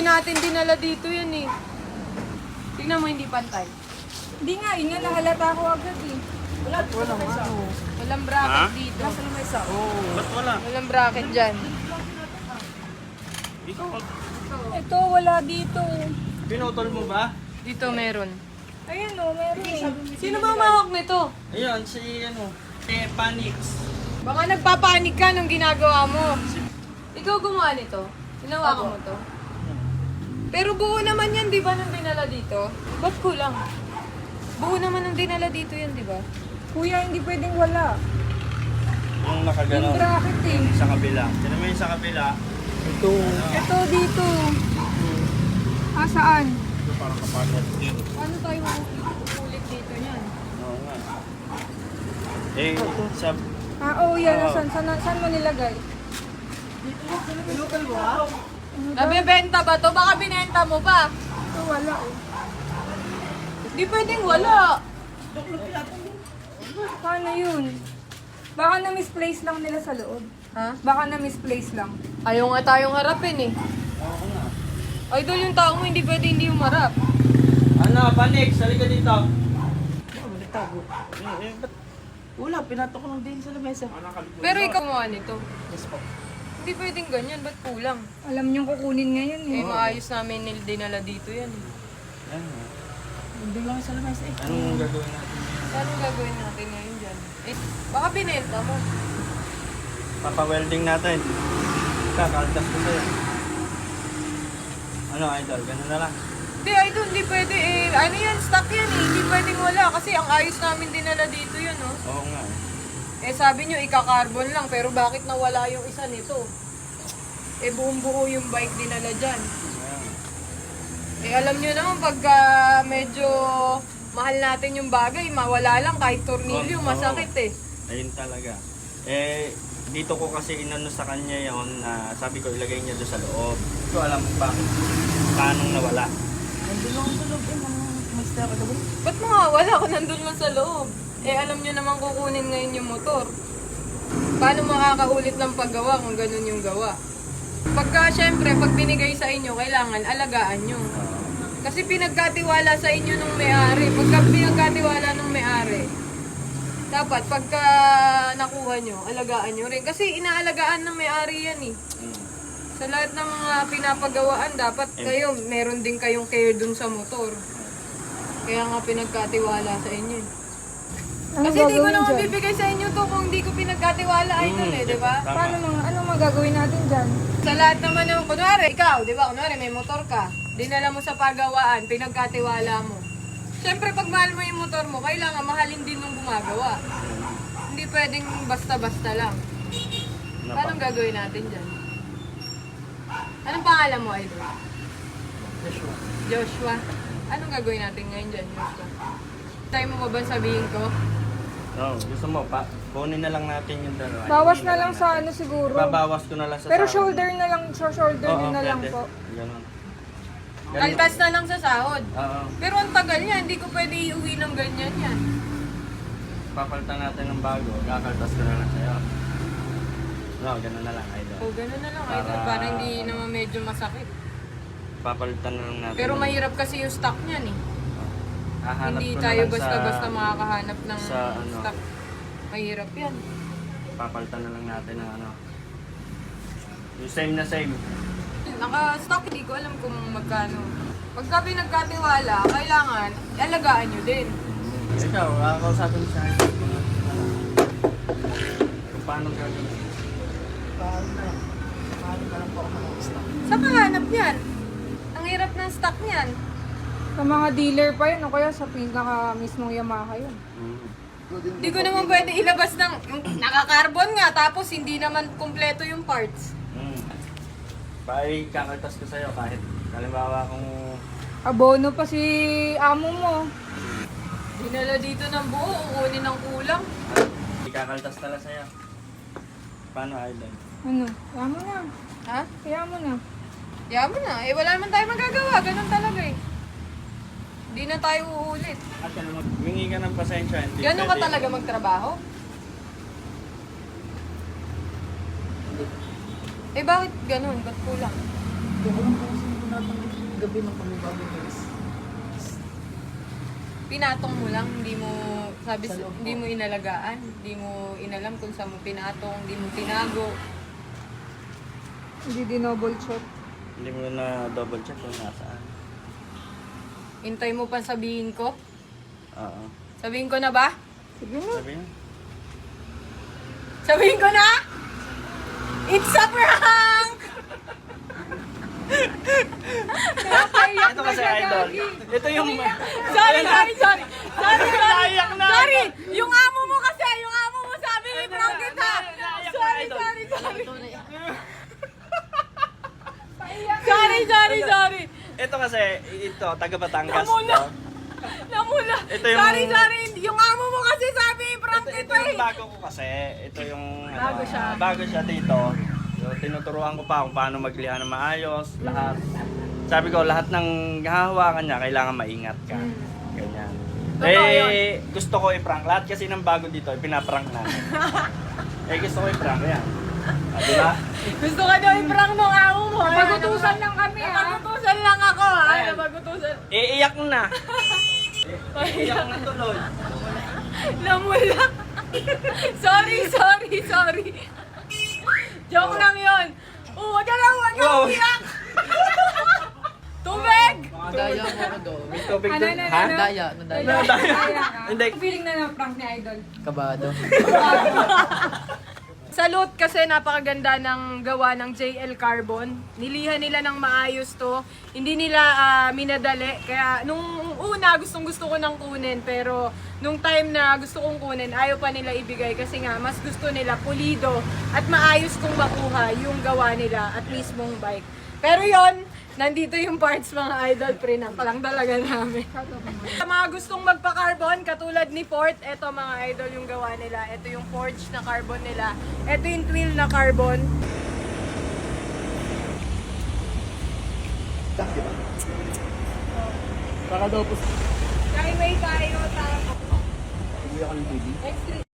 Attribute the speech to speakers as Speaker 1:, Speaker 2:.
Speaker 1: natin dinala dito yan eh. Tingnan mo, hindi pantay.
Speaker 2: Hindi nga, yun nga, nahalata ko agad eh.
Speaker 1: Walang bracket dito.
Speaker 3: Ba't wala?
Speaker 1: Walang bracket dyan.
Speaker 3: Ikaw,
Speaker 2: Ito, wala dito.
Speaker 3: pinutol mo ba?
Speaker 1: Dito meron.
Speaker 2: Ayun o, meron eh.
Speaker 1: Sino ba umawak nito?
Speaker 3: Ayun, si Panix.
Speaker 1: Baka nagpapanik ka nung ginagawa mo. Ikaw gumawa nito? Hinawakan mo to? Pero buo naman yan, di ba, nung dinala dito? Ba't kulang? Buo naman nung dinala dito yan, di ba?
Speaker 2: Kuya, hindi pwedeng wala.
Speaker 3: Yung
Speaker 2: Yung
Speaker 3: nakaganon.
Speaker 2: bracket eh.
Speaker 3: Sa kabila. Sino mo yung sa kabila? Ito.
Speaker 2: Ito dito. Ah, saan?
Speaker 3: Ito parang kapatid.
Speaker 1: Paano tayo makukulit dito yan?
Speaker 3: Oo nga. Eh, sa...
Speaker 2: Ah, oo, yan. Saan mo nilagay?
Speaker 1: Nabebenta ba to? Baka binenta mo pa.
Speaker 2: Ito, wala eh.
Speaker 1: Di pwedeng wala.
Speaker 2: Paano yun? Baka na-misplace lang nila sa loob.
Speaker 1: Ha?
Speaker 2: Baka na-misplace lang.
Speaker 1: Ayaw nga tayong harapin eh.
Speaker 3: Oo nga.
Speaker 1: Idol yung tao mo, hindi pwede hindi umarap.
Speaker 3: Ano, Panix, halika dito.
Speaker 4: Wala, pinatok ko lang din sa lamesa.
Speaker 1: Pero ikaw gumawa nito. Hindi pwedeng ganyan, ba't kulang?
Speaker 2: Alam niyong kukunin ngayon eh.
Speaker 1: Eh, maayos namin dinala dito yan eh.
Speaker 3: Ano?
Speaker 4: Hindi lang sa lamesa eh.
Speaker 3: Anong gagawin natin?
Speaker 1: Anong gagawin natin ngayon dyan? Eh, baka binenta mo.
Speaker 3: Papa-welding natin. Kakaltas ko sa'yo. Ano, idol? Ganun na lang.
Speaker 1: Hindi, idol, hindi pwede eh. Ano yan, stock yan eh. Hindi pwedeng wala kasi ang ayos namin dinala dito yun, oh.
Speaker 3: Oo nga.
Speaker 1: Eh, sabi nyo, ika-carbon lang, pero bakit nawala yung isa nito? Eh, buong buo yung bike dinala dyan.
Speaker 3: Ayan.
Speaker 1: Eh, alam nyo naman, pagka medyo mahal natin yung bagay, mawala lang kahit tornilyo,
Speaker 3: Oo.
Speaker 1: masakit eh.
Speaker 3: Ayun talaga. Eh, dito ko kasi inano sa kanya yon na sabi ko ilagay niya doon sa loob. So alam mo bakit? Paano nawala?
Speaker 4: Nandun lang sa loob eh, mga master ka ba?
Speaker 1: Ba't mawawala kung nandun lang sa loob? Eh, alam nyo naman kukunin ngayon yung motor. Paano makakaulit ng paggawa kung ganun yung gawa? Pagka, syempre, pag binigay sa inyo, kailangan alagaan nyo. Kasi pinagkatiwala sa inyo nung may-ari. Pagka pinagkatiwala nung may-ari, dapat pagka nakuha nyo, alagaan nyo rin. Kasi inaalagaan ng may-ari yan eh. Sa lahat ng mga pinapagawaan, dapat kayo, meron din kayong care dun sa motor. Kaya nga pinagkatiwala sa inyo eh.
Speaker 2: Ano
Speaker 1: Kasi di ko
Speaker 2: gagawin
Speaker 1: naman
Speaker 2: dyan?
Speaker 1: bibigay sa inyo to kung di ko pinagkatiwala idol eh, di ba?
Speaker 3: Tama.
Speaker 2: Ano magagawin natin dyan?
Speaker 1: Sa lahat naman ng, kunwari, ikaw, di ba? Kunwari, may motor ka. Dinala mo sa pagawaan, pinagkatiwala mo. Siyempre, pag mahal mo yung motor mo, kailangan mahalin din nung gumagawa. Hindi pwedeng basta-basta lang. Paano gagawin natin dyan? Anong pangalan mo, idol? Joshua. Anong gagawin natin ngayon dyan, Joshua? Tayo mo ba ba sabihin ko?
Speaker 3: No, gusto mo pa kunin na lang natin yung dalawa.
Speaker 2: Bawas
Speaker 3: Hindi
Speaker 2: na lang sa ano siguro.
Speaker 3: Babawas ko na lang sa
Speaker 2: Pero
Speaker 3: sahod.
Speaker 2: shoulder na lang, shoulder
Speaker 3: Oo,
Speaker 2: nyo na lang
Speaker 3: pwede.
Speaker 2: po.
Speaker 3: Ganun.
Speaker 1: Kaltas na lang sa sahod.
Speaker 3: Oo.
Speaker 1: Pero ang tagal niya, hindi ko pwede iuwi ng ganyan yan.
Speaker 3: Papalitan natin ng bago. Kakaltas ko na lang sa'yo. No, ganun na lang, idol.
Speaker 1: O, gano'n na lang, idol. Para hindi naman medyo masakit.
Speaker 3: Papalitan na lang natin.
Speaker 1: Pero mahirap kasi yung stock niyan eh.
Speaker 3: Hahanap
Speaker 1: Hindi
Speaker 3: ko na
Speaker 1: tayo
Speaker 3: lang
Speaker 1: basta-basta makakahanap ng
Speaker 3: sa ano.
Speaker 1: stock. Mahirap yan.
Speaker 3: Papalitan na lang natin ng ano. Yung same na same.
Speaker 1: Naka-stock, hindi ko alam kung magkano. Pagka pinagkatiwala, kailangan alagaan nyo din.
Speaker 3: Ikaw, kakausapin mo sa akin. Kung paano gagawin.
Speaker 4: Paano na lang. Paano na lang po ako ng stock.
Speaker 1: Saan ka hanap yan? Ang hirap ng stock niyan.
Speaker 2: Sa mga dealer pa yun, o kaya sa pinaka mismong Yamaha yun.
Speaker 1: Hindi ko naman pwede ilabas ng naka-carbon nga, tapos hindi naman kumpleto yung parts.
Speaker 3: Bye, kakaltas ko sa'yo kahit halimbawa kung
Speaker 2: Abono pa si amo mo.
Speaker 1: Dinala dito ng buo, kukunin ng kulang.
Speaker 3: ikakaltas tala sa'yo. Paano, idol?
Speaker 2: Ano? Kaya mo na.
Speaker 1: Ha?
Speaker 2: Kaya mo na.
Speaker 1: Yaman mo na. Eh, wala naman tayo magagawa. Ganun talaga eh. Hindi na tayo uulit.
Speaker 3: At ano, humingi ka ng pasensya. Hindi
Speaker 1: Ganun ka
Speaker 3: pwede.
Speaker 1: talaga magtrabaho? Eh, bakit ganun? Ba't kulang?
Speaker 4: Hindi ko lang po kasi lahat ng gabi ng pagbabago guys.
Speaker 1: Pinatong mo lang, hindi mo sabi
Speaker 4: Sa loob
Speaker 1: hindi
Speaker 4: po.
Speaker 1: mo inalagaan, hindi mo inalam kung saan mo pinatong, hindi mo tinago.
Speaker 2: Hindi dinouble check.
Speaker 3: Hindi mo na double check kung nasaan.
Speaker 1: Hintay mo pa sabihin ko?
Speaker 3: Oo.
Speaker 1: Sabihin ko na ba?
Speaker 2: Sige na.
Speaker 3: Sabi niya.
Speaker 1: Sabihin ko na? It's a prank!
Speaker 2: Napaiyak
Speaker 3: Ito
Speaker 2: na
Speaker 3: kasi
Speaker 2: siya,
Speaker 3: idol.
Speaker 2: Gagi.
Speaker 3: Ito yung...
Speaker 1: Sorry!
Speaker 3: Naiyak na.
Speaker 1: Sorry! Yung amo mo kasi, yung amo mo sabi, prank kita!
Speaker 3: Naiyak na,
Speaker 1: Sorry,
Speaker 3: idol.
Speaker 1: sorry, sorry!
Speaker 4: Tunay.
Speaker 1: Sorry!
Speaker 3: Ito kasi, ito, taga Batangas.
Speaker 1: Namula.
Speaker 3: to.
Speaker 1: Namula!
Speaker 3: Ito yung-
Speaker 1: Sorry! Yung amo mo kasi sabi, prank
Speaker 3: Ito
Speaker 1: kita
Speaker 3: yung
Speaker 1: eh!
Speaker 3: bago ko kasi. Ito yung...
Speaker 1: Bago siya.
Speaker 3: Bago siya dito. So, tinuturuan ko pa kung paano magliha ng maayos. Lahat. Sabi ko, lahat ng hahawakan niya, kailangan maingat ka. Ganyan.
Speaker 1: Totoo
Speaker 3: Eh, gusto ko i-prank. Lahat kasi ng bago dito, pinaprank namin. Gusto ko i-prank. Yan. Diba?
Speaker 1: Gusto ka daw i-prank ng amo mo.
Speaker 2: Pagutusan lang kami, ha?
Speaker 1: Napagutusan lang ako, ha?
Speaker 3: Ayan.
Speaker 1: Napagutusan.
Speaker 3: Iiyak na. Iiyak na tuloy.
Speaker 1: Namula. Sorry. Joke lang yun. Wag ka
Speaker 3: Wow.
Speaker 1: umiyak. Tubig!
Speaker 4: Mga daya mo ako doon.
Speaker 3: May tubig
Speaker 2: Ano,
Speaker 3: doon.
Speaker 2: ano,
Speaker 3: Ha?
Speaker 2: ano?
Speaker 4: Daya.
Speaker 2: Kaya ka.
Speaker 3: Hindi.
Speaker 2: Feeling na na-prank ni Idol.
Speaker 4: Kabado.
Speaker 1: Salute kasi napakaganda ng gawa ng JL Carbon. Nilihan nila ng maayos to. Hindi nila minadali. Kaya nung una gustong gusto ko nang kunin. Pero nung time na gusto kong kunin, ayaw pa nila ibigay. Kasi nga mas gusto nila pulido at maayos kong makuha yung gawa nila at mismong bike. Pero yon, nandito yung parts mga idol, pre-na lang talaga namin. Sa mga gustong magpa-carbon, katulad ni Ford, eto mga idol yung gawa nila. Ito yung forged na carbon nila. Ito yung twill na carbon.
Speaker 3: Baka daw po.
Speaker 1: Skyway tayo, tapos.
Speaker 4: Hindi ako ng TV.
Speaker 1: Next